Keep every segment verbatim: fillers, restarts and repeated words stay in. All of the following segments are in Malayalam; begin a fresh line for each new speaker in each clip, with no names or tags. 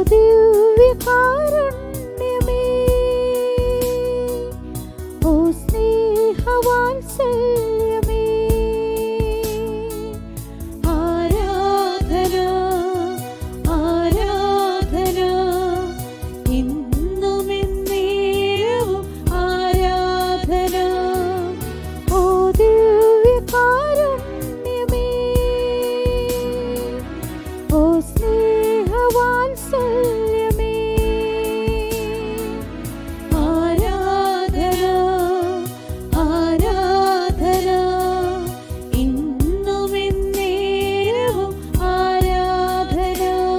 ദിവ്യകാരുണ്യമേ, ഓ സ്നേഹവാത്സല്യമേ, ആരാധന ആരാധന ഇന്നും എന്നേരവും ആരാധന. ഓ ദിവ്യകാരുണ്യമേ, ഓ സ്നേഹവാത്സല്യമേ, ആരാധന ആരാധന ഇന്നും എന്നേരവും ആരാധന.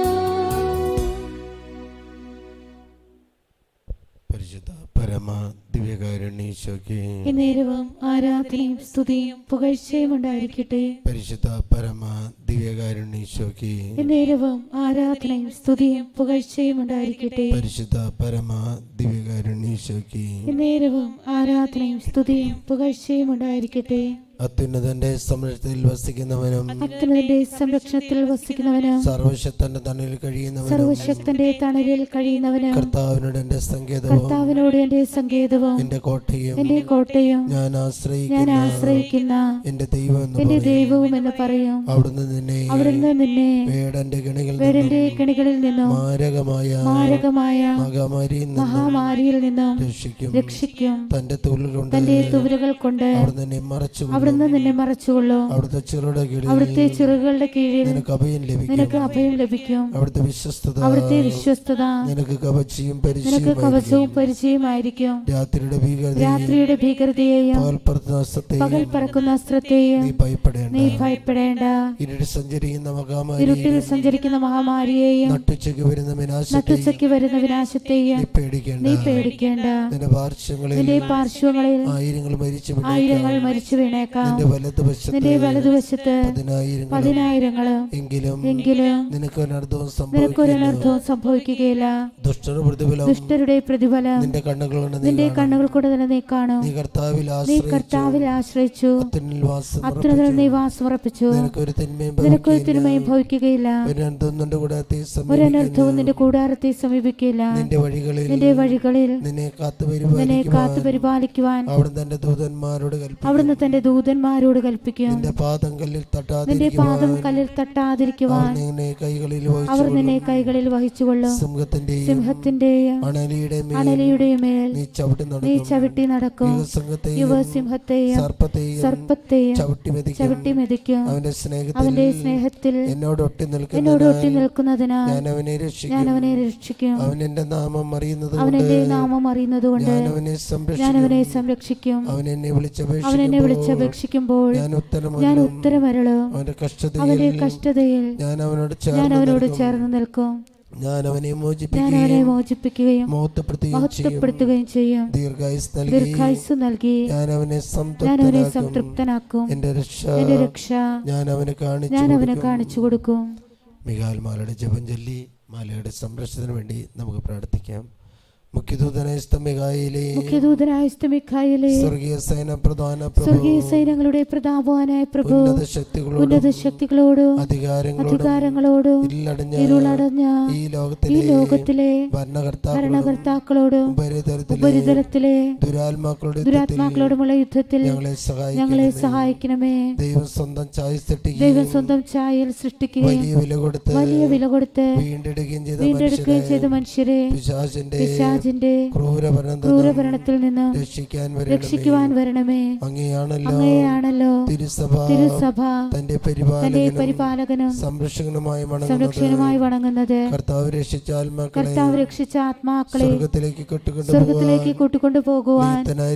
പരിശുദ്ധ പരമ ദിവ്യകാരുണ്യേശോയ്ക്ക്
എന്നേരവും ആരാധനയും സ്തുതിയും പുകഴ്ചയും ഉണ്ടായിരിക്കട്ടെ.
പരിശുദ്ധ പരമ ദിവ്യകാരുണ്യേശോയ്ക്ക്
എന്നേരവും ആരാധനയും സ്തുതിയും പുകഴ്ചയും ഉണ്ടായിരിക്കട്ടെ.
പരിശുദ്ധ പരമ ദിവ്യകാരുണ്യേശോയ്ക്ക്
എന്നേരവും ആരാധനയും സ്തുതിയും പുകഴ്ചയും ഉണ്ടായിരിക്കട്ടെ.
അത്യുന്നതന്റെ സംരക്ഷണത്തിൽ വസിക്കുന്നവനും
അത്യുന്നതന്റെ സംരക്ഷണത്തിൽ വസിക്കുന്നവനും
സർവശക്തന്റെ തണലിൽ കഴിയുന്നവനും
സർവശക്തന്റെ തണലിൽ കഴിയുന്നവനും
കർത്താവിനോട് എന്റെ സങ്കേതവും
കർത്താവിനോട് എന്റെ സങ്കേതവും
എന്റെ കോട്ടയും
എന്റെ കോട്ടയും
ഞാൻ
ഞാൻ
ആശ്രയിക്കുന്ന
ആശ്രയിക്കുന്ന
എന്റെ ദൈവം എന്ന്
എന്റെ
പറയും.
ദൈവവും എന്ന് പറയും.
അവിടുന്ന് നിന്നെ
അവിടുന്ന് നിന്നെ
വേടന്റെ കെണികളിൽ
വേടന്റെ
നിന്നും
കെണികളിൽ നിന്നും
മാരകമായ
മാരകമായ
മഹാമാരിയിൽ നിന്നും
മഹാമാരിയിൽ നിന്നും
രക്ഷിക്കും.
രക്ഷിക്കും.
തന്റെ തൂലുകൾ കൊണ്ട്
തന്റെ തുവലുകൾ കൊണ്ട്
അവിടുന്ന് നിന്നെ മറച്ചു
അവിടുന്ന് നിന്നെ മറച്ചുകൊള്ളൂ.
അവിടുത്തെ ചെറുടെ കീഴിൽ
അവിടുത്തെ ചിറകുകളുടെ കീഴിൽ
നിനക്ക് അഭയം ലഭിക്കും.
നിനക്ക് അഭയം ലഭിക്കും.
അവിടുത്തെ വിശ്വസ്തത
അവിടുത്തെ വിശ്വസ്തത
നിനക്ക് കവചവും
നിനക്ക് കവചവും പരിചയമായിരിക്കും.
രാത്രിയുടെ ഭീകരതയും
രാത്രിയുടെ ഭീകരതയെയും
പകൽ പറക്കുന്ന അസ്ത്രത്തെയും
പകൽ പറക്കുന്ന അസ്ത്രത്തെയും
നീ ഭയപ്പെടേണ്ട.
നീ ഭയപ്പെടേണ്ട.
ഇരുട്ടിൽ സഞ്ചരിക്കുന്ന മഹാമാരി
ഇരുട്ടിൽ സഞ്ചരിക്കുന്ന മഹാമാരിയെയും
നട്ടുച്ചയ്ക്ക് വരുന്ന വിനാശത്തെയും
നട്ടുച്ചയ്ക്ക് വരുന്ന വിനാശത്തെയും
നീ പേടിക്കേണ്ട.
നീ പേടിക്കേണ്ട.
നിന്റെ പാർശ്വങ്ങളിൽ
നിന്റെ പാർശ്വങ്ങളിൽ
ആയിരങ്ങൾ മരിച്ചു
ആയിരങ്ങൾ മരിച്ചു വീണേക്കാം.
നിന്റെ വലതുവശത്ത്
നിന്റെ വലതുവശത്ത്
പതിനായിരങ്ങൾ
പതിനായിരങ്ങളും
എങ്കിലും
എങ്കിലും
നിനക്ക് ഒരർത്ഥവും
നിനക്കൊരനർത്ഥവും സംഭവിക്കുകയില്ല.
ദുഷ്ടരുടെ പ്രതിഫലം
ദുഷ്ടരുടെ പ്രതിഫലം
നിന്റെ കണ്ണുകളുണ്ട്.
നിന്റെ കണ്ണുകൾ കൂടെ തന്നെ നീ കാണും.
നീ കർത്താവിൽ
നീ കർത്താവിൽ ആശ്രയിച്ചു
അത്യുന്നതിൽ വാസം
അത്യുന്നതനിൽ നീ വാസമുറപ്പിച്ചു.
നിനക്കൊരു തിന്മയും
നിനക്കൊരു തിന്മയും ഭവിക്കുകയില്ല.
ഒരനർത്ഥവും നിന്റെ കൂടാരത്തെ
ഒരനർത്ഥവും നിന്റെ കൂടാരത്തെ സമീപിക്കില്ല.
നിന്റെ വഴികളിൽ
നിന്റെ വഴികളിൽ
നിന്നെ കാത്തു
നിന്നെ കാത്തു പരിപാലിക്കുവാൻ
അവിടുന്ന് തന്റെ ദൂതന്മാരോട് കൽപ്പിക്കും.
അവിടുന്ന് തന്റെ ദൂതന്മാരോട് കൽപ്പിക്കും.
നിന്റെ പാദം കല്ലിൽ
നിന്റെ പാദം
തട്ടാതിരിക്കുവാൻ
കല്ലിൽ തട്ടാതിരിക്കുവാൻ
നിന്നെ കൈകളിൽ
അവർ നിന്നെ കൈകളിൽ വഹിച്ചുകൊള്ളും.
സിംഹത്തിന്റെയും
സിംഹത്തിന്റെയും
അണലിയുടെയും മേൽ
അണലിയുടെയും മേൽ
നീ ചവിട്ടി
നീ
നടക്കും.
ചവിട്ടി നടക്കും.
യുവസിംഹത്തെയും
യുവസിംഹത്തെയും
സർപ്പത്തെയും
സർപ്പത്തെയും
ചവിട്ടി മെതിക്കും.
ചവിട്ടി മെതിക്കും.
അവന്റെ സ്നേഹത്തിൽ
അവന്റെ സ്നേഹത്തിൽ
എന്നോട് ഒട്ടി
എന്നോട് ഒട്ടി
നിൽക്കുന്നതിനാൽ
നിൽക്കുന്നതിനാൽ
ഞാൻ അവനെ രക്ഷിക്കും.
ഞാൻ അവനെ രക്ഷിക്കും.
അവൻ എന്റെ നാമം അറിയുന്നത്
അവൻ
കൊണ്ട്
എന്റെ നാമം അറിയുന്നത് കൊണ്ട്
ഞാൻ അവനെ
ഞാൻ
സംരക്ഷിക്കും.
അവനെ സംരക്ഷിക്കും.
അവൻ എന്നെ
അവൻ എന്നെ
വിളിച്ചപേക്ഷിക്കുമ്പോൾ
വിളിച്ചപേക്ഷിക്കുമ്പോൾ
ഞാൻ ഉത്തരം
ഞാൻ ഉത്തരമരുളും.
അവന്റെ
അവന്റെ
കഷ്ടതയിൽ
കഷ്ടതയിൽ
ഞാൻ അവനോട്
ഞാൻ
ചേർന്ന്
അവനോട്
നിൽക്കും.
ചേർന്ന് നിൽക്കും.
ഞാൻ അവനെ
ഞാൻ അവനെ
മോചിപ്പിക്കുകയും
മോചിപ്പിക്കുകയും
മഹത്വപ്പെടുത്തുകയും ചെയ്യും.
മഹത്വപ്പെടുത്തുകയും ചെയ്യും.
ദീർഘായുസ് നൽകി
ദീർഘായുസ് നൽകി
ഞാൻ അവനെ
ഞാൻ അവനെ
സംതൃപ്തനാക്കും.
സംതൃപ്തനാക്കും.
എന്റെ രക്ഷ
എന്റെ രക്ഷ
ഞാൻ അവനെ കാണിച്ചു
ഞാൻ അവനെ
കൊടുക്കും.
കാണിച്ചു കൊടുക്കും.
മിഖാൽ മാലയുടെ ജപം ചൊല്ലി മാലയുടെ സംരക്ഷണത്തിന് വേണ്ടി നമുക്ക് പ്രാർത്ഥിക്കാം. മുഖ്യദൂതനായ മിഖായേലേ,
മുഖ്യദൂതനായ മിഖായേലേ,
സ്വർഗീയ സൈന പ്രധാന പ്രഭു,
സ്വർഗീയ സൈന്യങ്ങളുടെ പ്രതാപവാനായ പ്രഭു,
ഉന്നത ശക്തികളോടും
ഉന്നത ശക്തികളോടും
അധികാരങ്ങളോടും
അധികാരങ്ങളോടും
ഇരുളടഞ്ഞ
ഇരുളടഞ്ഞ
ഈ
ഈ
ലോകത്തിലെ
ലോകത്തിലെ
ഭരണകർത്താക്കളോടും
ഭരണകർത്താക്കളോടും
ഉപരിതലത്തിലെ
ഉപരിതലത്തിലെ
ദുരാത്മാക്കളുടെ
ദുരാത്മാക്കളോടുമുള്ള യുദ്ധത്തിൽ
ഞങ്ങളെ
ഞങ്ങളെ
സഹായിക്കണമേ.
സഹായിക്കണമേ.
ദൈവം സ്വന്തം ചായ
ദൈവം സ്വന്തം ചായയിൽ സൃഷ്ടിക്കുകയും
വലിയ വില കൊടുത്ത്
വലിയ വില കൊടുത്ത്
വീണ്ടെടുക്കുകയും ചെയ്ത
വീണ്ടെടുക്കുകയും ചെയ്ത മനുഷ്യരെ
പിശാചിന്റെ
പിശാചിന്റെ
ക്രൂരഭരണത്തിൽ
ക്രൂരഭരണത്തിൽ നിന്ന്
രക്ഷിക്കാൻ
രക്ഷിക്കുവാൻ വരണമേ.
അങ്ങയാണല്ലോ
അങ്ങനെയാണല്ലോ
തിരുസഭ
തിരുസഭ
തന്റെ
തന്റെ
പരിപാലകനും
പരിപാലകനും
സംരക്ഷകനുമായി വണങ്ങുന്നത്.
സംരക്ഷണമായി വണങ്ങുന്നത്.
കർത്താവ് രക്ഷിച്ച ആത്മാക്കളെ
കർത്താവ് രക്ഷിച്ച ആത്മാക്കളെ
സ്വർഗത്തിലേക്ക് കൊട്ടുകൊണ്ടു
സ്വർഗത്തിലേക്ക് കൂട്ടിക്കൊണ്ടു പോകുവാൻ